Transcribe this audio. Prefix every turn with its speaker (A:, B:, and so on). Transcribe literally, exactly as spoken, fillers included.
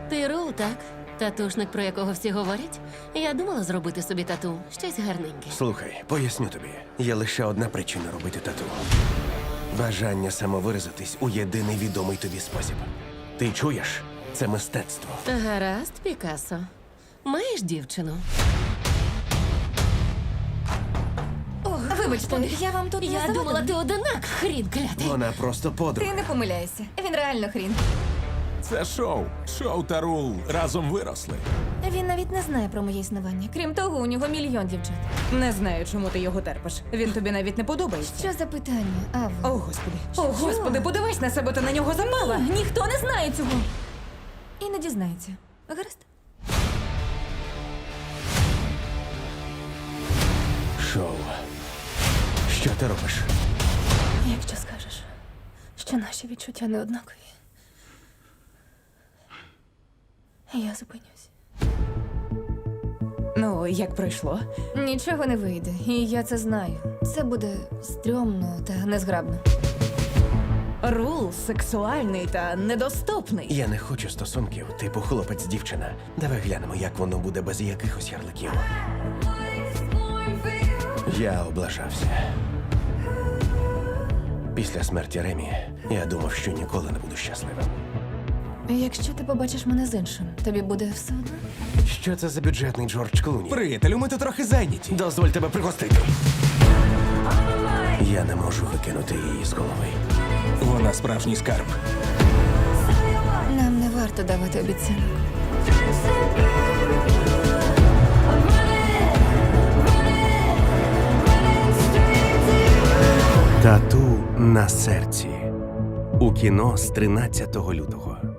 A: Ти Ру, так? Татушник, про якого всі говорять? Я думала зробити собі тату. Щось гарненьке.
B: Слухай, поясню тобі. Є лише одна причина робити тату. Бажання самовиразитись у єдиний відомий тобі спосіб. Ти чуєш? Це мистецтво.
A: Гаразд, Пікассо. Маєш дівчину?
C: Вибачте, я вам тут не
A: Я
C: завадила?
A: думала, ти одинак, хрін клятий.
B: Вона просто подруга.
C: Ти не помиляєшся. Він реально хрін.
D: Це шоу. Шоу та Рул разом виросли.
C: Він навіть не знає про моє існування. Крім того, у нього мільйон дівчат.
E: Не знаю, чому ти його терпиш. Він тобі навіть не подобається.
C: Що за питання, Ава?
E: О, господи. О, господи, подивись на себе, ти на нього запала.
C: Ніхто не знає цього. І не дізнається. Гаразд?
B: Шоу. Що ти робиш?
C: Якщо скажеш, що наші відчуття не однакові, я зупинюсь.
E: Ну, як пройшло?
C: Нічого не вийде, і я це знаю. Це буде стрьомно та незграбно.
E: Рул сексуальний та недоступний.
B: Я не хочу стосунків, типу хлопець-дівчина. Давай глянемо, як воно буде без якихось ярликів. Я облажався. Після смерті Ремі я думав, що ніколи не буду щасливим.
C: Якщо ти побачиш мене з іншим, тобі буде все одно?
B: Що це за бюджетний Джордж Клуні?
D: Приятелю, ми тут трохи зайняті.
B: Дозволь тебе пригостити. Я не можу викинути її з голови.
D: Вона справжній скарб.
C: Нам не варто давати обіцянок.
B: Тату на серці. У кіно з тринадцятого лютого.